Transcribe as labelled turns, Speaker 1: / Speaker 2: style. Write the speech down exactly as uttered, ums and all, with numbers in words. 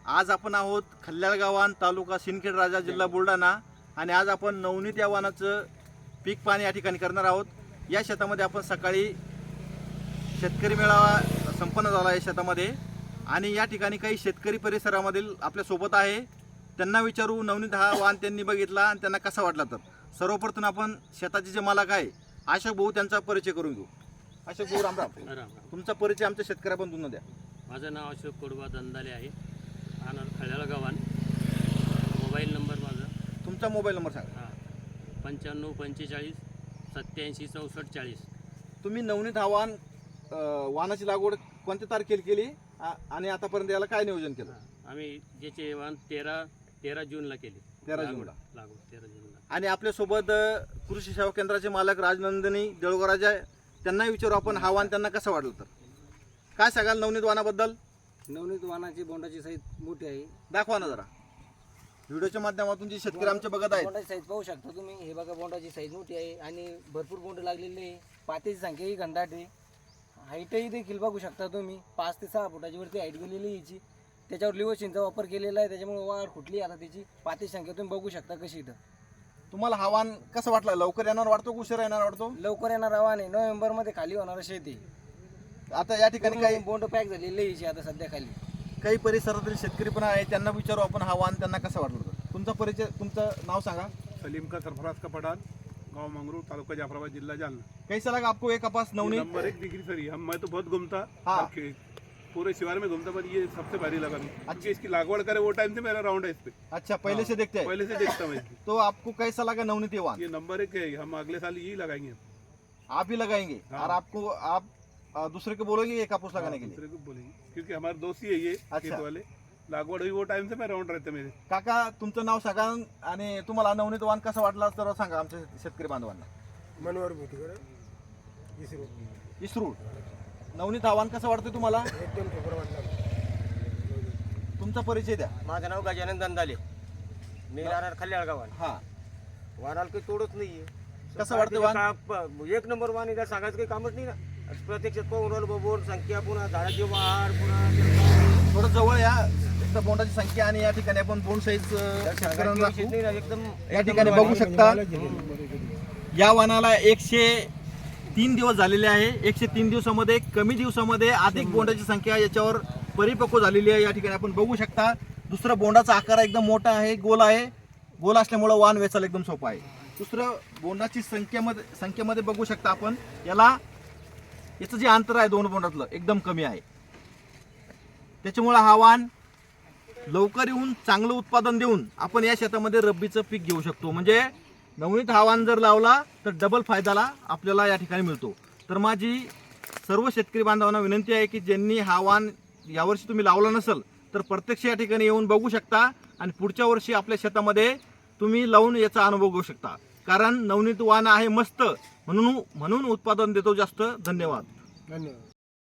Speaker 1: आज आपण आहोत खल्ल्याळ गावान, तालुका सिंदखेड राजा, जिल्हा बुलढाणा. आणि आज आपण नवनीत या वाहनाचं पीक पाणी या ठिकाणी करणार आहोत. या शेतामध्ये आपण सकाळी शेतकरी मेळावा संपन्न झाला आहे शेतामध्ये. आणि या ठिकाणी काही शेतकरी परिसरामधील आपल्या सोबत आहे. त्यांना विचारू नवनीत हा वाहन त्यांनी बघितला आणि त्यांना कसा वाटला. तर सर्वप्रथम आपण शेताचे जे मालक आहे अशोक भाऊ त्यांचा परिचय करून घेऊ. अशोक भाऊ राम राम. तुमचा परिचय आमच्या शेतकऱ्याबंधूंना द्या.
Speaker 2: माझं नाव अशोक कोडबा दंदाले आहे, राहणार खळ्याळ गावान. मोबाईल नंबर माझा,
Speaker 1: तुमचा मोबाईल नंबर सांगा.
Speaker 2: हां पंच्याण्णव पंचेचाळीस सत्याऐंशी चौसष्ट चाळीस.
Speaker 1: तुम्ही नवनीत हा वाहन वाहनाची लागवड कोणत्या तारखेला केली आणि आतापर्यंत याला काय नियोजन केलं?
Speaker 2: आम्ही ज्याचे वाहन तेरा तेरा जूनला केले.
Speaker 1: तेरा जूनला
Speaker 2: लागवड तेरा जूनला.
Speaker 1: आणि आपल्यासोबत कृषी सेवा केंद्राचे मालक राजनंदिनी देळगोराजा, त्यांना विचारू आपण हा वाहन त्यांना कसं वाटलं. तर काय सांगाल नवनीत वाहनाबद्दल?
Speaker 3: नवनीत वाहनाची बोंडाची साईज मोठी आहे.
Speaker 1: दाखवा ना जरा व्हिडिओच्या माध्यमातून जे शेतकरी आमचे बघत आहेत.
Speaker 3: बोंडाची साईज पाहू शकता तुम्ही. हे बघा, बोंडाची साईज मोठी आहे आणि भरपूर बोंड लागलेली आहे. पातीची संख्याही घनदाट आहे. हाईटही देखील बघू शकता तुम्ही. पाच ते सहा फुटाची वरती हाईट गेलेली आहे याची. त्याच्यावर लिवोशिनचा वापर केलेला आहे, त्याच्यामुळे वाढ फुटली आता त्याची. पातीची संख्या तुम्ही बघू शकता कशी इथं.
Speaker 1: तुम्हाला हा वाहन कसं वाटलं? लवकर येणार वाटतो, उशिरा येणार वाटतो?
Speaker 3: लवकर येणार आव्हान आहे. नोव्हेंबर मध्ये खाली होणार शेती.
Speaker 1: आता या ठिकाणी काही
Speaker 3: बोंड पॅक झालेली आहे आता सध्या खाली.
Speaker 1: काही परिसरातील शेतकरी पण आहे, त्यांना विचारू आपण हा वाहन त्यांना कसं वाटलं. तुमचा परिचय, तुमचं नाव सांगा.
Speaker 4: सलीम का सरफराज का पठान, गांव मंगरूर, तालुका जाफराबाद, जिला जालना.
Speaker 1: कैसा लगा आपको ये कपास नवनीत?
Speaker 4: नंबर एक डिग्री सर, हम मैं तो बहुत घूमता,
Speaker 1: हाँ।
Speaker 4: पूरे शिवार में घूमता, पर ये सबसे भारी लगा मुझे, क्योंकि इसकी लागवड़ करे वो टाइम से मेरा राउंड है इस पे।
Speaker 1: अच्छा, पहले से देखते हैं?
Speaker 4: पहले से देखता मैं।
Speaker 1: तो आपको कैसा लगा नवनीत ये वाहन?
Speaker 4: ये नंबर एक है, हम अगले साल यही लगाएंगे।
Speaker 1: आप ही लगाएंगे?
Speaker 4: हाँ।
Speaker 1: और आपको आप अ, दूसरे को बोलोगे ये कापूस लगाने के लिए?
Speaker 4: दूसरे को बोलेंगे, क्योंकि हमारे दोस्त ही है ये
Speaker 1: अच्छा।
Speaker 4: खेत वाले। लागवड हुई वो टाइम से मैं राउंड रहते मेरे।
Speaker 1: काका, तुमचं नाव सांगा आणि तुम्हाला नवनीत वाहन कसं वाटलं तर सांगा आमच्या शेतकरी बांधवांना.
Speaker 5: मनोहर भुतकर, इसरो.
Speaker 1: इस्रूड. नवनीत आव्हान कसं वाटतं तुम्हाला?
Speaker 5: एकदम सुपर वाटलं.
Speaker 1: तुमचा परिचय द्या.
Speaker 6: माझं नाव गजानन दंदाले, मी राहणार खल्ल्याळ गावात.
Speaker 1: हा,
Speaker 6: वाहनाला काही तोडच नाहीये.
Speaker 1: कसं वाटतं वाहन?
Speaker 6: का- एक नंबर वाहन आहे, सांगायचं काही कामच नाही ना. प्रत्यक्षात पाहून राहिलो बोर्ड संख्या, पुन्हा झाडाची वाढ, पुन्हा
Speaker 1: थोडं जवळ या. एक तर बोंडाची संख्या आणि या ठिकाणी आपण बोंड साईज शेतकऱ्यांना दाखवू.
Speaker 6: नाही ना, एकदम
Speaker 1: या ठिकाणी बघू शकता या वाहनाला एकशे तीन दिवस झालेले आहे. एकशे तीन दिवसामध्ये कमी दिवसामध्ये अधिक बोंडाची संख्या याच्यावर परिपक्व झालेली आहे. या ठिकाणी आपण बघू शकता. दुसरं बोंडाचा आकार एकदम मोठा आहे, गोल आहे. गोल असल्यामुळे वाहन वेचायला एकदम सोपं आहे. दुसरं बोंडाची संख्येमध्ये संख्येमध्ये बघू शकता आपण. याला याचं जे अंतर आहे दोन बोंडातलं एकदम कमी आहे. त्याच्यामुळे हा वाहन लवकर येऊन चांगलं उत्पादन देऊन आपण या शेतामध्ये रब्बीचं पीक घेऊ शकतो. म्हणजे नवनीत हा वाहन जर लावला तर डबल फायदाला आपल्याला या ठिकाणी मिळतो. तर माझी सर्व शेतकरी बांधवांना विनंती आहे की ज्यांनी हा वाहन यावर्षी तुम्ही लावला नसेल तर प्रत्यक्ष या ठिकाणी येऊन बघू शकता आणि पुढच्या वर्षी आपल्या शेतामध्ये तुम्ही लावून याचा अनुभव घेऊ शकता. कारण नवनीत वाहन आहे मस्त, म्हणून म्हणून उत्पादन देतो जास्त. धन्यवाद.
Speaker 5: धन्यवाद.